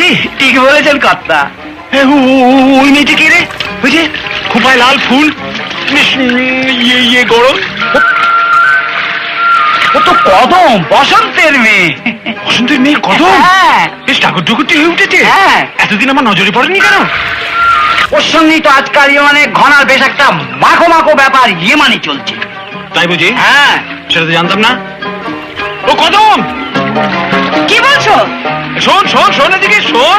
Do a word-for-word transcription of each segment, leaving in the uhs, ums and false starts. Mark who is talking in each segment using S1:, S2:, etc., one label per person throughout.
S1: আমি
S2: ঠিক বলেছেন কর্তা।
S1: এ, ও, ও, ও, ওই মেয়েটি কে রে? ওই যে খোপায় লাল ফুল, বেশ, উম, ইয়ে ইয়ে গরম।
S2: ও তো কদম, বসন্তের মেয়ে।
S1: বসন্তের মেয়ে কদম
S2: হ্যাঁ
S1: বেশ ঠাকুর ঠুকুরটি হয়ে উঠেছে।
S2: হ্যাঁ।
S1: এতদিন আমার নজরে পড়েনি কেন?
S2: ওর সঙ্গেই তো আজকাল মানে ঘনার বেশ একটা মাখো মাখো ব্যাপার ইয়ে মানে চলছে।
S1: তাই বুঝি?
S2: হ্যাঁ।
S1: সেটা তো জানতাম না। ও কদম,
S2: কি বলছো?
S1: শোন শোন শোন, এদিকে শোন।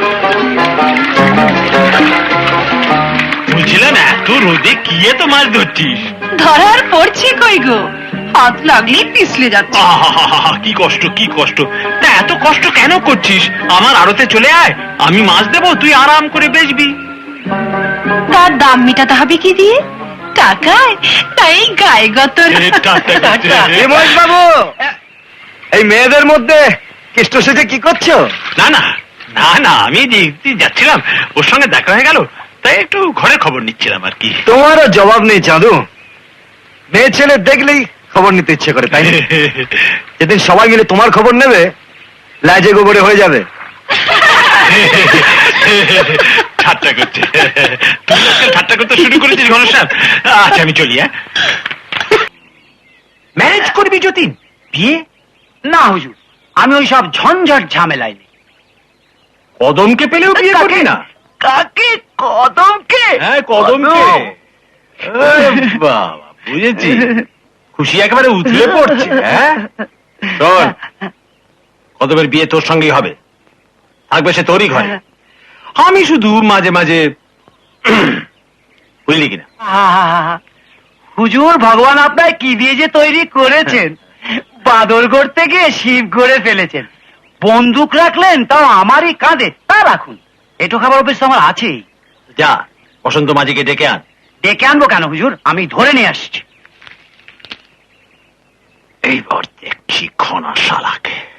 S1: বুঝলাম এত রোদে কি এত মাছ ধরছিস?
S3: ধরার পড়ছে কই গো, হাত লাগলেই পিছলে যাচ্ছে।
S1: আহা, কি কষ্ট কি কষ্ট। তা এত কষ্ট কেন করছিস? আমার আড়তে চলে আয়, আমি মাছ দেবো, তুই আরাম করে বেচবি।
S3: তার দাম মেটাতে হবে কি দিয়ে? টাকায়? তাই গায়ে গতর।
S1: এ, টাকা, টাকা।
S4: মহেশ বাবু, এই মেয়েদের মধ্যে কৃষ্ণ সেজে কি করছো?
S1: না না না না, আমি দেখতে যাচ্ছিলাম, ওর সঙ্গে দেখা হয়ে গেল, তাই একটু ঘরের খবর নিচ্ছিলাম আর কি।
S4: তোমারও জবাব নেই চাঁদু। মেয়ে ছেলে দেখলেই খবর নিতে ইচ্ছে করে, তাই না? যেদিন সবাই মিলে তোমার খবর নেবে, লাজে গোবরে হয়ে যাবে।
S1: ঠাট্টা করছে, তুই আজকাল ঠাট্টা করতে শুরু করেছিস ঘনশ্যাম। আচ্ছা আমি চলি। হ্যাঁ,
S2: ম্যারেজ করবি যতীন? বিয়ে না হুজুর, আমি ওই সব ঝঞ্ঝট ঝামেলায় নেই।
S1: কদমকে পেলেও বিয়ে করবি না?
S2: কাকে? কদমকে?
S1: হ্যাঁ, কদমকে। এ, বাবা, বুঝেছি, খুশি একেবারে উথলে পড়ছে। হ্যাঁ, শোন, কদমের বিয়ে তোর সঙ্গেই হবে, থাকবে সে তোরই ঘরে। আমি শুধু মাঝে মাঝে, বুঝলি কিনা?
S2: আহা, হুজুর ভগবান আপনার কি দিয়ে যে তৈরি করেছেন, বাদর করতে গিয়ে শিব করে ফেলেছেন। বন্দুক রাখলেন তাও আমারই কাঁধে, তা রাখুন, এটো খাবার অভ্যেস তো আমার আছেই।
S1: যা, বসন্ত মাঝিকে ডেকে আন।
S2: ডেকে আনবো কেন হুজুর, আমি ধরে নিয়ে আসছি।
S1: এইবার দেখছি ঘনা শালাকে।